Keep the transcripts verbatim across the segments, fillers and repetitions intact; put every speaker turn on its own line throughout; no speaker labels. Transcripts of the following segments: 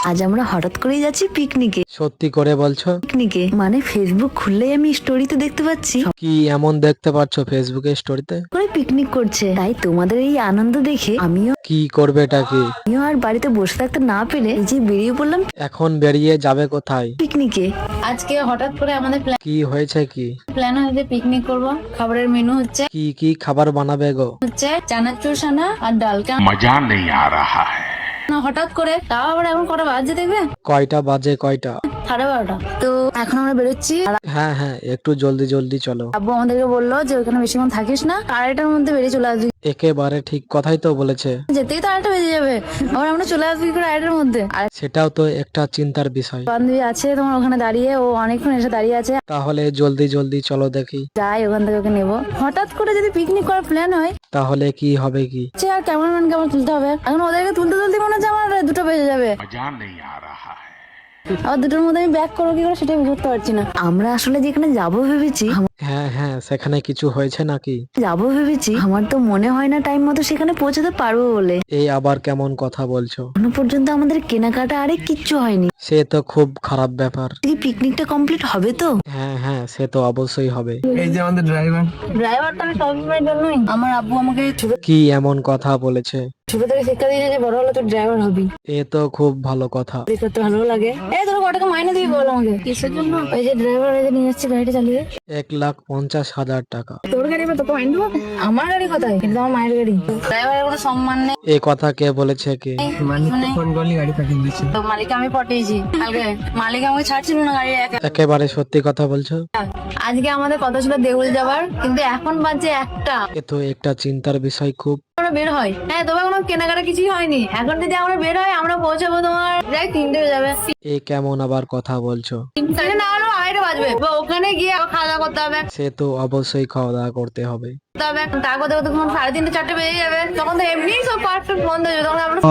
আজ আমরা হঠাৎ করেই যাচ্ছি পিকনিকে।
সত্যি করে বলছো?
পিকনিকে মানে ফেসবুক খুললেই আমি স্টোরিতে দেখতে পাচ্ছি
কি এমন দেখতে পাচ্ছ ফেসবুকে স্টোরিতে?
করে পিকনিক করছে। তাই তোমাদের এই আনন্দ দেখে আমিও
কি করবে এটা কি?
আমিও আর বাড়িতে বসে থাকতে না পেরে এই যে বেরিয়ে পড়লাম
এখন বেরিয়ে যাবে কোথায়?
পিকনিকে।
আজকে হঠাৎ করে আমাদের
কি হয়েছে কি?
প্ল্যান হয়েছে পিকনিক করব। খাবারের মেনু হচ্ছে
কি কি খাবার বানাবে গো?
হচ্ছে চানাচুর সানা আর ডাল। কেন
मजा नहीं आ रहा है।
হঠাৎ করে তাও আবার এখন কটা বাজে দেখবে?
কয়টা বাজে কয়টা?
সাড়ে বারোটা। তো এখন আমরা বেরোচ্ছি। আর
হ্যাঁ হ্যাঁ একটু জলদি জলদি চলো।
আব্বু আমাদেরকে বললো যে ওখানে বেশিক্ষণ থাকিস না, আড়াইটার মধ্যে বেরিয়ে চলে আসবি।
একেবারে ঠিক কথাই তো বলেছে।
যেতেই তো আড়াইটা বেজে যাবে, আবার আমরা চলে আসবি করে আড়াইটার মধ্যে। আর
সেটাও তো একটা চিন্তার বিষয়।
বান্ধবী আছে তোমার ওখানে দাঁড়িয়ে, ও অনেকক্ষণ এসে দাঁড়িয়ে আছে।
তাহলে জলদি জলদি চলো দেখি।
যাই ওখান থেকে ওকে নেবো। হঠাৎ করে যদি পিকনিক করার প্ল্যান হয়
তাহলে কি হবে কি?
সে আর ক্যামেরাম্যানকে আমার তুলতে হবে। এখন ওদেরকে তুলতে তুলতে মনে হচ্ছে আমার দুটো বেজে যাবে।
मजा नहीं आ रहा है।
আবার দুটোর মধ্যে আমি ব্যাক করবো কি করে সেটাই বুঝতে পারছি না।
আমরা আসলে যেখানে যাবো ভেবেছি
হ্যাঁ হ্যাঁ সেখানে কিছু হয়েছে নাকি?
যাবো ভেবেছি আমার তো মনে হয় না টাইম মতো সেখানে পৌঁছাতে পারবো বলে।
এই আবার কেমন কথা বলছো?
এখনো পর্যন্ত আমাদের কেনাকাটা আরে কিচ্ছু হয়নি।
সে তো খুব খারাপ ব্যাপার।
কি পিকনিকটা কমপ্লিট হবে তো?
হ্যাঁ হ্যাঁ সে তো অবশ্যই হবে।
এই যে আমাদের ড্রাইভার
ড্রাইভারটা আমি সবসময়ের জন্যই। আমার আব্বু আমাকে ছোট
কি এমন কথা বলেছে?
ছোট থেকে শিক্ষা দিয়েছে যে বড় হলে তুই ড্রাইভার হবি।
এ তো খুব ভালো কথা।
চাকরি করতে ভালো লাগে। এই তোর কত টাকা মাইনে দিবি বল আমাকে? কিসের জন্য? ওই যে ড্রাইভার এই যে নিয়ে যাচ্ছে গাড়িটা চালিয়ে।
এক লাখ পঞ্চাশ হাজার টাকা।
তোর গাড়ি বা তোকে মাইনে দেবো? আমার গাড়ি কোথায়? কিন্তু আমার মায়ের গাড়ি। ড্রাইভারের কোনো সম্মান নেই।
এ কথা কে বলেছে কি?
মালিক ফোন করলে গাড়ি পাঠিয়ে দিচ্ছে।
তো মালিক আমি পটিয়েছি কালকে। মালিক আমাকে ছাড়ছিল না গাড়ি একা।
একেবারে সত্যি কথা বলছো।
আজকে আমাদের কথা ছিল দেউল যাবার, কিন্তু এখন বাজে একটা।
এ তো একটা চিন্তার বিষয় খুব।
আমরা বের হয়, হ্যাঁ তোমার কোনো কেনাকাটা কিছুই হয়নি। এখন যদি আমরা বের হয় আমরা পৌঁছাবো তোমার প্রায় তিনটে হয়ে যাবে।
এ কেমন আবার কথা বলছো?
তিনটে না হলেও আড়াইটা বাজবে। তো ওখানে গিয়ে আবার খাওয়া দাওয়া করতে হবে
সে তো অবশ্যই খাওয়া দাওয়া করতে হবে।
করতে হবে। তা করতে করতে তোমার সাড়ে তিনটে চারটে বেজে যাবে। তখন তো এমনি সব পারফেক্ট বন্ধ হয়ে যাবে। তখন আমরা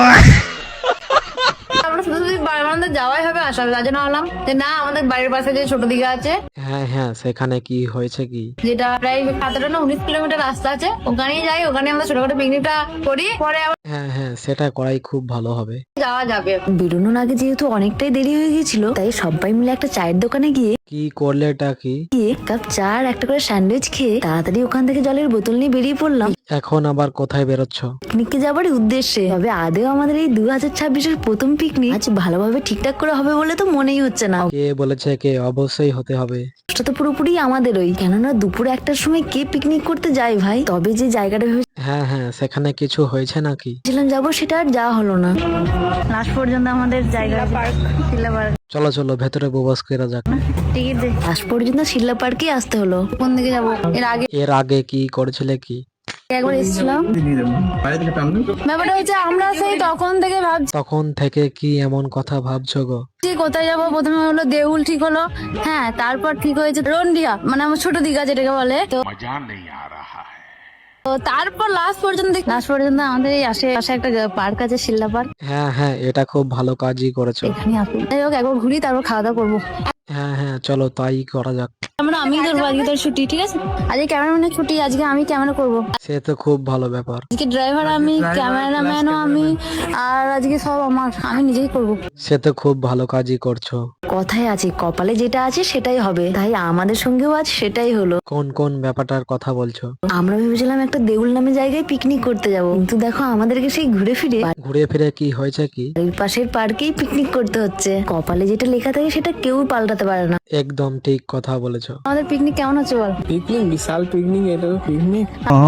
আমরা শুধু শুধু বাড়ির যাওয়াই হবে আসা হবে। তার জন্য ভাবলাম যে না, আমাদের বাড়ির পাশে যে ছোট দিঘা আছে,
হ্যাঁ হ্যাঁ সেখানে কি হয়েছে কি?
যেটা প্রায় সতেরো না উনিশ কিলোমিটার রাস্তা আছে, ওখানেই যাই। ওখানে আমরা ছোটখাটো পিকনিকটা করি, পরে আবার
হ্যাঁ হ্যাঁ সেটা করাই খুব ভালো হবে।
যাওয়া যাবে।
বেরোনোর আগে যেহেতু অনেকটাই দেরি হয়ে গেছিল তাই সবাই মিলে একটা চায়ের দোকানে গিয়ে
কি করলে এটা কি?
গিয়ে কাপ চা আর একটা করে স্যান্ডউইচ খেয়ে তাড়াতাড়ি ওখান থেকে জলের বোতল নিয়ে বেরিয়ে পড়লাম
এখন আবার কোথায় বেরোচ্ছ?
পিকনিকে যাবার উদ্দেশ্যে। তবে আদেও আমাদের এই দু হাজার ছাব্বিশের প্রথম পিকনিক আজ ভালোভাবে ঠিকঠাক করে হবে বলে তো মনেই হচ্ছে না।
কে বলেছে কে? অবশ্যই হতে হবে।
সেটা তো পুরোপুরি আমাদেরই, কেননা দুপুরে একটার সময় কে পিকনিক করতে যায় ভাই। তবে যে জায়গাটা
হ্যাঁ হ্যাঁ সেখানে কিছু হয়েছে নাকি?
ভেবেছিলাম যাবো সেটা আর যাওয়া হলো না।
লাস্ট পর্যন্ত আমাদের জায়গা পার্ক শিলা পার্ক
চলো চলো ভেতরে প্রবেশ করা যাক।
টিকিট দে।
আজ পর্যন্ত শিল্লা পার্কে আসতে হলো।
কোন দিকে যাবো? এর আগে
এর আগে কি করেছিলে কি?
একবার এসেছিলাম।
দিয়ে দেবো বাইরে থেকে পাবো।
ব্যাপারটা হচ্ছে আমরা সেই তখন থেকে ভাবছি
তখন থেকে কি এমন কথা ভাবছো গো?
কোথায় যাবো। প্রথমে হলো দেউল ঠিক হলো, হ্যাঁ তারপর ঠিক হয়েছে রন্ডিয়া, মানে আমার ছোট দিঘা যেটাকে বলে। তো
मजा नहीं आ रहा है।
তো তারপর লাস্ট পর্যন্ত লাস্ট পর্যন্ত আমাদের এই আশেপাশে একটা পার্ক আছে শিল্লা পার্ক,
হ্যাঁ হ্যাঁ এটা খুব ভালো কাজই করেছো।
এখানে আসুন। যাই হোক একবার ঘুরি তারপর খাওয়া দাওয়া করবো।
হ্যাঁ হ্যাঁ চলো তাই করা যাক।
আমরা আমি ধরবো আজকে তোর ছুটি, ঠিক আছে? আজকে ক্যামেরাম্যানের ছুটি, আজকে আমি ক্যামেরা করবো।
সে তো খুব ভালো ব্যাপার।
আজকে ড্রাইভার আমি, ক্যামেরাম্যানও আমি, আর আজকে সব আমার, আমি নিজেই করবো।
সে তো খুব ভালো কাজই করছো।
কথায় আছে কপালে যেটা আছে সেটাই হবে, তাই আমাদের সঙ্গেও আজ সেটাই হলো।
কোন কোন ব্যাপারটার কথা বলছো?
আমরা ভেবেছিলাম একটা দেউল নামে জায়গায় পিকনিক করতে যাব, কিন্তু দেখো আমাদেরকে সেই ঘুরে ফিরে
ঘুরে ফিরে কি হয়েছে কি?
বাড়ির পাশের পার্কেই পিকনিক করতে হচ্ছে। কপালে যেটা লেখা থাকে সেটা কেউ পাল্টাতে পারে না।
একদম ঠিক কথা বলেছো।
আমাদের পিকনিক কেমন হচ্ছে বল?
পিকনিক বিশাল পিকনিক, এটা তো পিকনিক।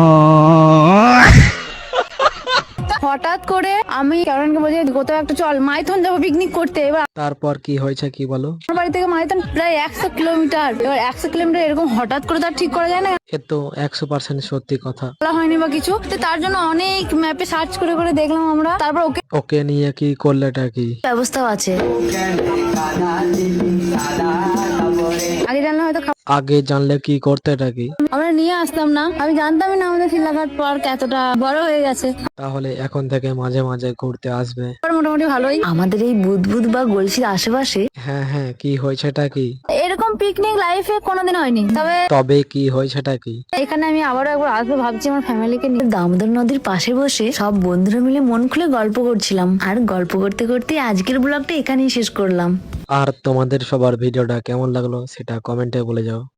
হঠাৎ করে আমি ক্যামেরাম্যানকে বলছি কোথাও একটা চল মাইথন যাবো পিকনিক করতে। এবার
তারপর কি হয়েছে কি বলো?
আমার বাড়ি থেকে মাইথন প্রায় একশো কিলোমিটার। এবার একশো কিলোমিটার এরকম হঠাৎ করে তো আর ঠিক করা যায় না,
এ তো একশো পার্সেন্ট সত্যি কথা।
বলা হয়নি বা কিছু। তো তার জন্য অনেক ম্যাপে সার্চ করে করে দেখলাম আমরা। তারপর ওকে
ওকে নিয়ে কি করলে এটা কি?
ব্যবস্থাও আছে।
আগে জানলে হয়তো খাব-
আগে জানলে কি করতে এটা কি?
আমরা নিয়ে আসতাম না। আমি জানতামই না আমাদের শিলাঘাট পার্ক এতটা বড় হয়ে গেছে।
তাহলে এখন থেকে মাঝে মাঝে ঘুরতে আসবে।
এবার মোটামুটি ভালোই।
আমাদের এই বুদবুদ বা গলসির আশেপাশে
হ্যাঁ হ্যাঁ কি হয়েছে এটা কি?
এরকম পিকনিক লাইফে কোনোদিন হয়নি, তবে
তবে কি হয় সেটা কি?
এখানে আমি আবারও একবার আসবো ভাবছি আমার ফ্যামিলিকে নিয়ে।
দামোদর নদীর পাশে বসে সব বন্ধুরা মিলে মন খুলে গল্প করছিলাম, আর গল্প করতে করতে আজকের ব্লগটা এখানেই শেষ করলাম।
আর তোমাদের সবার ভিডিওটা কেমন লাগলো সেটা কমেন্টে বলে যাও।